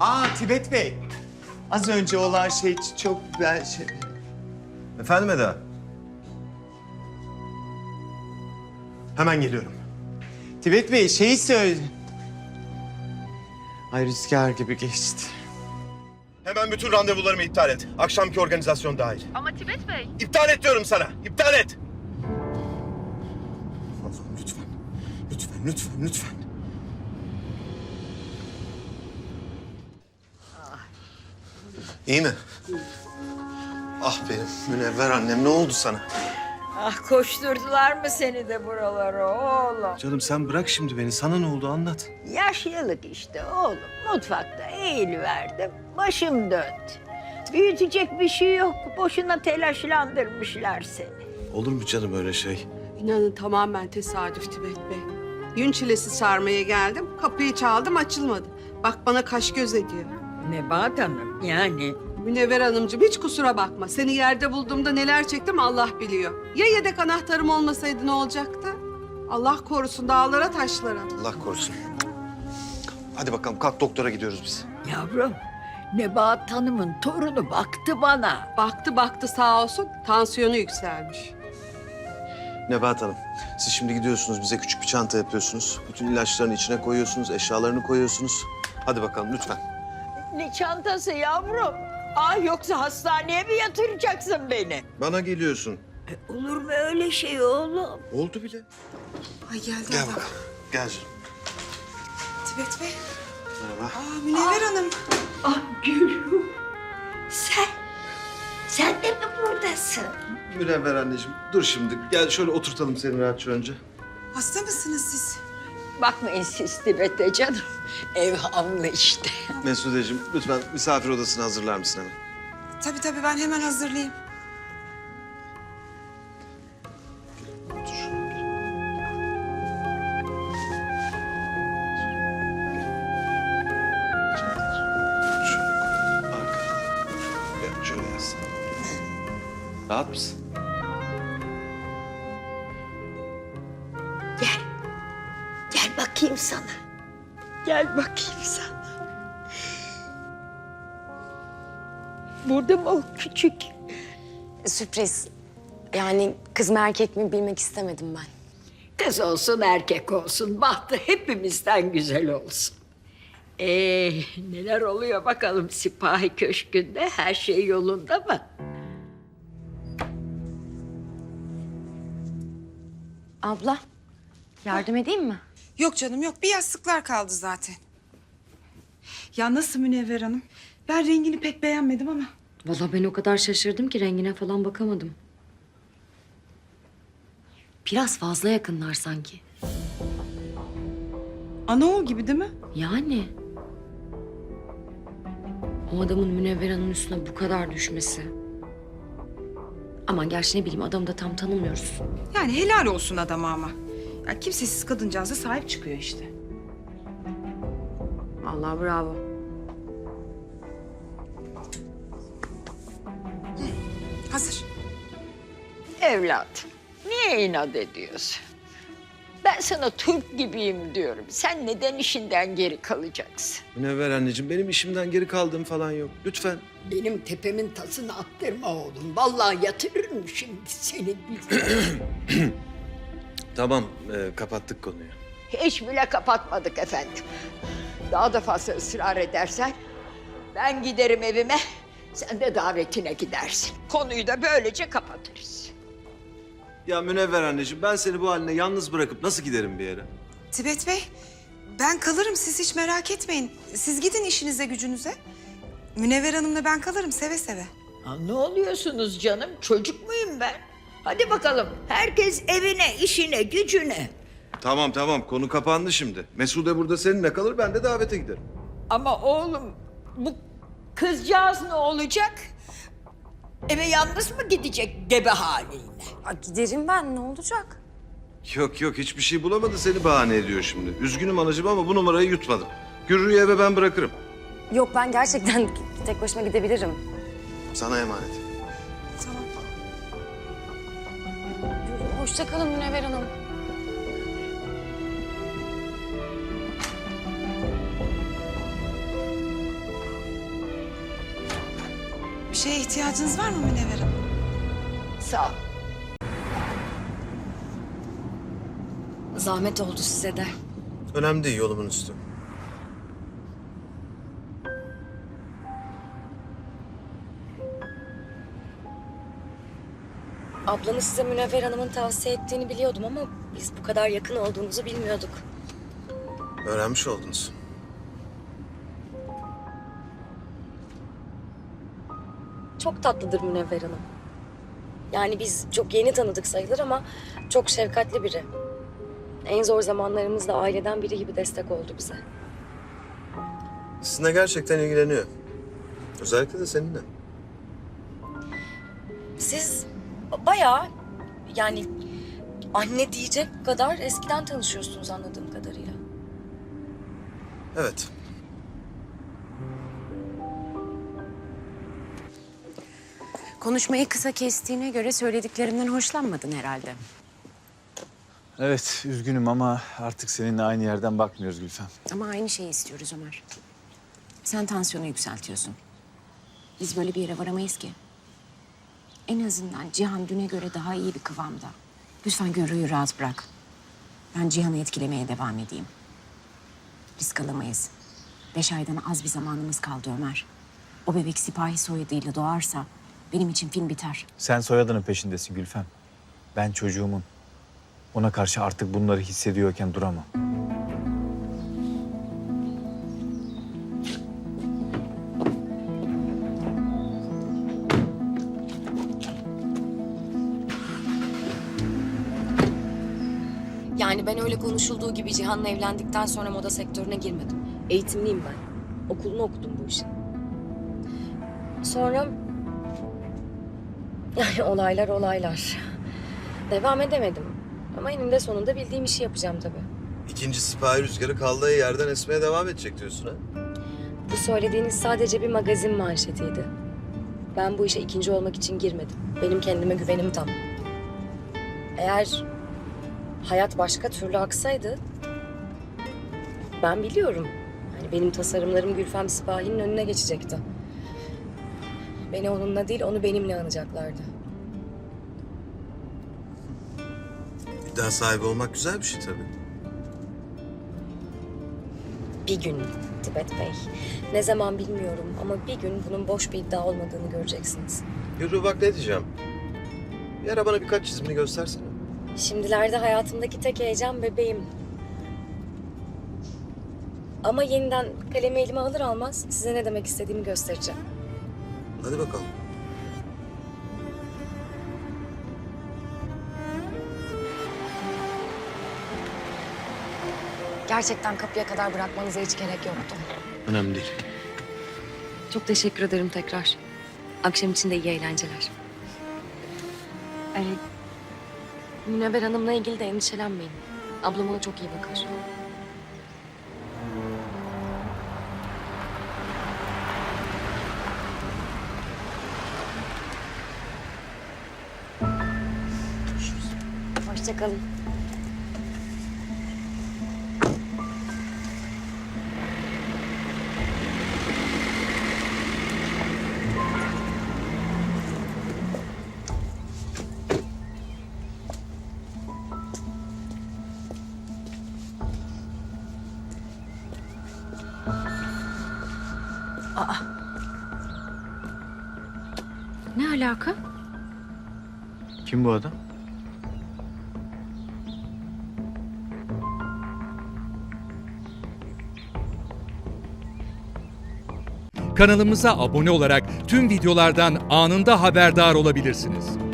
Tibet Bey. Az önce olan şey çok güzel şey. Efendim Eda? Hemen geliyorum. Tibet Bey şeyi söyle. Ay rüzgar gibi geçti. Hemen bütün randevularımı iptal et. Akşamki organizasyon dahil. Ama Tibet Bey. İptal et diyorum sana. İptal et. Allah'ım lütfen. Lütfen. İyi mi? Ah benim Münevver annem, ne oldu sana? Ah koşturdular mı seni de buralara oğlum? Canım sen bırak şimdi beni. Sana ne oldu anlat. Yaşlılık işte oğlum. Mutfakta eğiliverdim. Başım döndü. Büyütecek bir şey yok. Boşuna telaşlandırmışlar seni. Olur mu canım öyle şey? İnanın tamamen tesadüf Tibet Bey. Yün çilesi sarmaya geldim. Kapıyı çaldım, açılmadı. Bak bana kaş göz ediyor. Nebahat Hanım yani. Münevver Hanımcığım hiç kusura bakma. Seni yerde bulduğumda neler çektim Allah biliyor. Ya yedek anahtarım olmasaydı ne olacaktı? Allah korusun dağlara taşlara. Allah korusun. Hadi bakalım kalk, doktora gidiyoruz biz. Yavrum, Nebahat Hanım'ın torunu baktı bana. Baktı sağ olsun tansiyonu yükselmiş. Nebahat Hanım, siz şimdi gidiyorsunuz, bize küçük bir çanta yapıyorsunuz. Bütün ilaçlarını içine koyuyorsunuz, eşyalarını koyuyorsunuz. Hadi bakalım lütfen. Ne çantası yavrum? Ah yoksa hastaneye mi yatıracaksın beni? Bana geliyorsun. Olur mu öyle şey oğlum? Oldu bile. Ay geldi Gel adam. bakalım. Gel canım. Tibet Bey. Merhaba. Münevver Hanım. Ah Gülüm. Sen de mi buradasın? Münevver anneciğim, dur şimdi. Gel şöyle oturtalım seni rahatça önce. Hasta mısınız siz? Bakmayın siz Tibet'e canım. Ev hamlı işte. Mesudeciğim, lütfen misafir odasını hazırlar mısın hemen? Tabii ben hemen hazırlayayım. Otur. Şöyle arkada. Gel şöyle yaslan. Rahat mısın? Gel bakayım sana. Gel bakayım sana. Burada mı o küçük? Sürpriz. Yani kız mı erkek mi bilmek istemedim ben. Kız olsun erkek olsun. Bahtı hepimizden güzel olsun. Neler oluyor bakalım Sipahi Köşkü'nde? Her şey yolunda mı? Abla, yardım edeyim mi? Yok canım yok. Bir yastıklar kaldı zaten. Ya nasıl Münevver Hanım? Ben rengini pek beğenmedim ama. Vallahi ben o kadar şaşırdım ki rengine falan bakamadım. Biraz fazla yakınlar sanki. Anaoğul gibi değil mi? Yani. O adamın Münevver Hanım'ın üstüne bu kadar düşmesi. Aman gerçi ne bileyim adamı da tam tanımıyoruz. Yani helal olsun adama ama. Ya kimsesiz kadıncağıza sahip çıkıyor işte. Allah bravo. Hazır. Evladım, niye inat ediyorsun? Ben sana Türk gibiyim diyorum. Sen neden işinden geri kalacaksın? Münevver anneciğim, benim işimden geri kaldığım falan yok. Lütfen. Benim tepemin tasını attırma oğlum. Vallahi yatırırım şimdi seni. Tamam, kapattık konuyu. Hiç bile kapatmadık efendim. Daha da fazla ısrar edersen ben giderim evime, sen de davetine gidersin. Konuyu da böylece kapatırız. Ya Münevver anneciğim, ben seni bu haline yalnız bırakıp nasıl giderim bir yere? Tibet Bey, ben kalırım. Siz hiç merak etmeyin. Siz gidin işinize gücünüze. Münevver Hanım'la ben kalırım seve seve. Ha, ne oluyorsunuz canım? Çocuk muyum ben? Hadi bakalım. Herkes evine, işine, gücüne. Tamam, konu kapandı şimdi. Mesude burada seninle kalır, ben de davete giderim. Ama oğlum bu kızcağız ne olacak? Eve yalnız mı gidecek gebe haliyle? Aa, giderim ben ne olacak? Yok, hiçbir şey bulamadı, seni bahane ediyor şimdi. Üzgünüm anacığım ama bu numarayı yutmadım. Gürrü'yü eve ben bırakırım. Yok ben gerçekten tek başıma gidebilirim. Sana emanet. Tamam. Hoşça kalın Münevver Hanım. şeye ihtiyacınız var mı Münevver Hanım? Sağ ol. Zahmet oldu size de. Önemli değil, yolumun üstü. Ablanız size Münevver Hanım'ın tavsiye ettiğini biliyordum ama biz bu kadar yakın olduğunuzu bilmiyorduk. Öğrenmiş oldunuz. Çok tatlıdır Münevver Hanım. Yani biz çok yeni tanıdık sayılır ama çok şefkatli biri. En zor zamanlarımızda aileden biri gibi destek oldu bize. Sizinle gerçekten ilgileniyor. Özellikle de seninle. Siz bayağı yani anne diyecek kadar eskiden tanışıyorsunuz anladığım kadarıyla. Evet. Konuşmayı kısa kestiğine göre söylediklerimden hoşlanmadın herhalde. Evet, üzgünüm ama artık seninle aynı yerden bakmıyoruz Gülfem. Ama aynı şeyi istiyoruz Ömer. Sen tansiyonu yükseltiyorsun. Biz böyle bir yere varamayız ki. En azından Cihan düne göre daha iyi bir kıvamda. Lütfen Gürrü'yü rahat bırak. Ben Cihan'ı etkilemeye devam edeyim. Risk alamayız. 5 aydan az bir zamanımız kaldı Ömer. O bebek sipahi soyadıyla doğarsa benim için film biter. Sen soyadının peşindesin Gülfem. Ben çocuğumun. Ona karşı artık bunları hissediyorken duramam. Yani ben öyle konuşulduğu gibi Cihan'la evlendikten sonra moda sektörüne girmedim. Eğitimliyim ben. Okulunu okudum bu işin. Sonra... Yani olaylar. Devam edemedim. Ama eninde sonunda bildiğim işi yapacağım tabii. İkinci sipahi rüzgarı kaldığı yerden esmeye devam edecek diyorsun ha? Bu söylediğiniz sadece bir magazin manşetiydi. Ben bu işe ikinci olmak için girmedim. Benim kendime güvenim tam. Eğer hayat başka türlü aksaydı... Ben biliyorum. Hani benim tasarımlarım Gülfem Sipahi'nin önüne geçecekti. Beni onunla değil, onu benimle anacaklardı. İddia sahibi olmak güzel bir şey tabii. Bir gün Tibet Bey. Ne zaman bilmiyorum ama bir gün bunun boş bir iddia olmadığını göreceksiniz. Yürü bak ne diyeceğim. Bir ara bana birkaç çizimini göstersene. Şimdilerde hayatımdaki tek heyecan bebeğim. Ama yeniden kalemi elime alır almaz size ne demek istediğimi göstereceğim. Hadi bakalım. Gerçekten kapıya kadar bırakmanıza hiç gerek yoktu. Önemli değil. Çok teşekkür ederim tekrar. Akşam için de iyi eğlenceler. Münevver Hanım'la ilgili de endişelenmeyin. Ablam ona çok iyi bakar. Hoşça kalın. Ne alaka? Kim bu adam? Kanalımıza abone olarak tüm videolardan anında haberdar olabilirsiniz.